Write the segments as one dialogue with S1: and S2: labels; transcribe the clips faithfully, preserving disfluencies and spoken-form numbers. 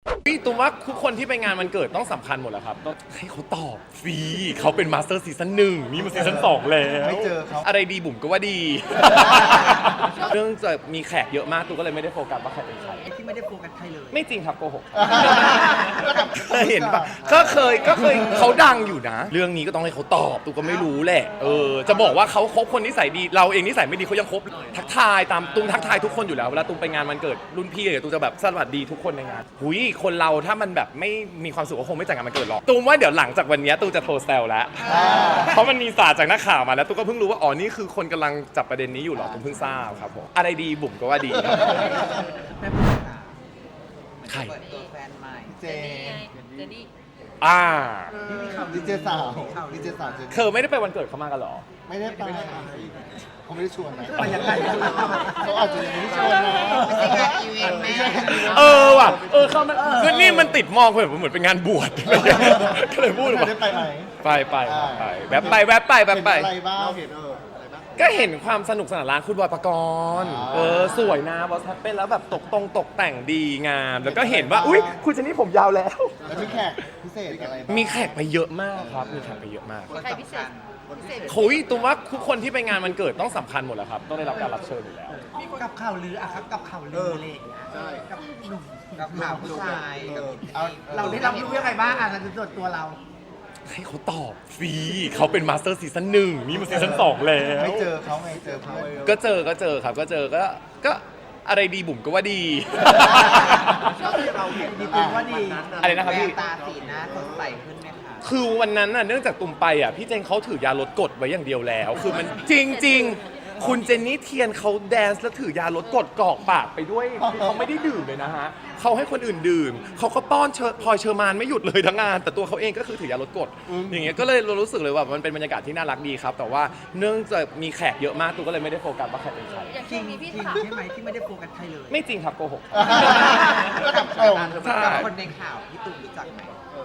S1: พี่ตูมว่าทุกคนที่ไปงานวันเกิดต้องสำคัญหมดแหละครับต้องให้เขาตอบฟรีเขาเป็นมาสเตอร์ซีซั่นหนึ่งนี่มันซีซั่นสองแล้ว
S2: ไม่เจอเขา
S1: อะไรดีบุ๋มก็ว่าดี เรื่องจะมีแขกเยอะมากตูก็เลยไม่ได้โฟกัสว่าใครเป็นใคร
S3: ที่ไม่ได้โฟกัสใครเลย
S1: ไม่จริงครับโกหกเคยเห็นปะก็เคยก็เคยเขาดังอยู่นะ เรื่องนี้ก็ต้องให้เขาตอบตูก็ไม่รู้แหละเออจะบอกว่าเขาคบคนนิสัยดีเราเองนิสัยไม่ดีเขายังคบทักทายตามตูมทักทายทุกคนอยู่แล้วเวลาตูมไปงานวันเกิดรุ่นพี่เดี๋ยวตูจะแบบสวัสดีทุกคนในงานหุยคนเราถ้ามันแบบไม่มีความสุขก็คงไม่จัดงานวันเกิดหรอกตูมว่าเดี๋ยวหลังจากวันนี้ตูจะโทรแซวแล้วเพราะมันมีสารจากนักข่าวมาแล้วตูก็เพิ่งรู้ว่าอ๋อนี่คือคนกำลังจับประเด็นนี้อยู่หรอตูมเพิ่งทราบครับผมอะไรดีบุ๋มก็ว่าดี
S3: แม่พูดค่ะ
S1: ใคร
S3: เปิดตัวแฟนใหม่
S2: เจ
S4: เจนี่
S1: อ่า
S2: ดีเจสาวดีเจสาวเจ
S1: เธอไม่ได้ไปวันเกิดเขามากันหรอ
S2: ไม่ได้ไปเขาไม่ได้ชวนนะ
S3: ไปยังไง
S2: เขาอาจจะยังไม่ได้ชวนนะ
S3: ไม่ใช่งานอีเวนต์แม่
S1: เออว่ะเออเขามันคือนี่มันติดมองเหมือนเหมือนเป็นงานบวชก็เลยพูด
S2: ไม่
S1: ว่า
S2: ได้ไปไหม
S1: ไปไปไปแวบไปแวบไปแวบไป
S2: เห็นอะไรบ้างเราเห็นเอออะไรบ้าง
S1: ก็เห็นความสนุกสนานร้านคุณบอยปกรณ์
S2: อ๋อ
S1: เออสวยนะบอสแฮปเป็นแล้วแบบตกตรงตกแต่งดีงาม แล้วก็เห็นว่าอุ้ยคุณเจนนี่ผมยาวแล้ว
S2: แล้วมีแขกพิเศษอะไรบ้าง
S1: มีแขกไปเยอะมากครับมีแขกไปเยอะมาก
S3: คนสำคัญ
S4: พิเศษ
S1: คุยตูมว่าทุกคนที่ไปงานวันเกิดต้องสำคัญหมดแหละครับต้องได้รับการรับเชิญอยู่แล้ว
S3: กับข่าวลืออะครับกับข่าวลืออะไรอย่างเงี้ยกับหนุ่มกับข่าวผู้ชายกับ
S2: เอา
S3: เราได้รับรู้ยังไงบ้างอ่ะในส่วนตัวเรา
S1: ให้เขาตอบฟรีเขาเป็นมาสเตอร์ซีซั่นหนึ่งนี่มันซีซั่นสองแล้ว
S2: ไม่เจอเขาไงเจอเพื่อน
S1: ก็เจอก็เจอครับก็เจอก็ก็อะไรดีบุ๋มก็ว่าดี
S3: ช่วงที่เราเห็นดีเป็นว่าดี
S1: อะไรนะครับพี่
S3: แววตาสีหน้าสดใสขึ้นไหมคะ
S1: คือวันนั้นน่ะเนื่องจากตุมไปอ่ะพี่เจนเขาถือยาลดกรดไว้อย่างเดียวแล้ว คือมันจริงจริงๆคุณเจนนี่เทียนเขาแดนซ์แล้วถือยาลดกรดกรอกปากไปด้วยคือเขาไม่ได้ดื่มเลยนะฮะเขาให้คนอื่นดื่มเขาก็ป้อนเชอพลอยเชอร์มานไม่หยุดเลยทั้งงาน แต่ตัวเขาเองก็คือถือยาลดกรดอย่างเงี้ยก็เลยรู้สึกเลยว่ามันเป็นบรรยากาศที่น่ารักดีครับ แต่ว่าเนื่องจากมีแขกเยอะมากตูก็เลยไม่ได้โฟกัสว่าใครเป็นใคร
S4: อย่าง
S3: จริ
S4: ช่ว
S3: ง
S4: งนี้พี่
S3: จริง
S4: ถาม
S3: ใช่ไหมที่ไม่ได้โฟกัสใครเลย
S1: ไม่จริงครับโกหก
S2: ก็กับเขา
S1: ใช่
S3: กับคนในข่าวพี่ตุ้มรู้จักไหม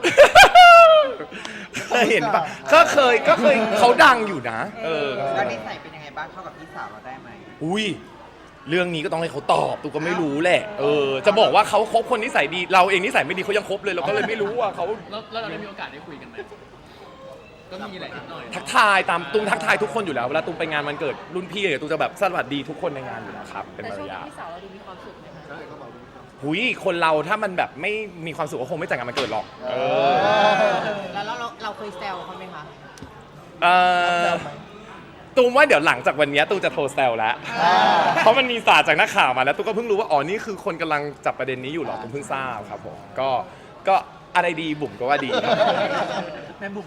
S1: เคยเห็นปะก็เคยก็เคยเขาดังอยู่นะ เออ
S3: แล้วนิสัยเป็นยังไงบ้างเข้ากับพี่สาวเราได้ไหม
S1: อุ้ยเรื่องนี้ก็ต้องให้เขาตอบตูก็ไม่รู้แหละ เออ จะบอกว่าเขาคบคนนิสัยดี เราเองนิสัยไม่ดีเขายังคบเลยเราก็เลยไม่รู้ว่าเขา
S5: แล้วแล้วเราได้มีโอกาสได้คุยกันไหม ก็มีแหละนิดหน่อย
S1: ทักทายตามตูมทักทายทุกคนอยู่แล้วเวลาตูมไปงานวันเกิดรุ่นพี่เดี๋ยวตูจะแบบสวัสดีทุกคนในงานอยู่แล้วครับเป็น
S4: แต่
S1: มาร
S4: ช่วง
S1: ยา
S4: นี้
S1: ท
S4: พี่สาวเราดูมีความสุขไหมคะ
S1: หุยคนเราถ้ามันแบบไม่มีความสุขก็คงไม่จัดงานวันเกิดหรอก เออ
S4: แล้วเราเราเคยแซวเขาไหมคะ
S1: เออตูมว่าเดี๋ยวหลังจากวันนี้ตูจะโทรแซวแล้ว เพราะมันมีสารจากนักข่าวมาแล้วตูก็เพิ่งรู้ว่าอ๋อนี่คือคนกำลังจับประเด็นนี้อยู่หรอตูมเพิ่งทราบครับผมก็ก็อะไรดีบุ๋มก็ว่าดี
S3: แม่บุ๋ม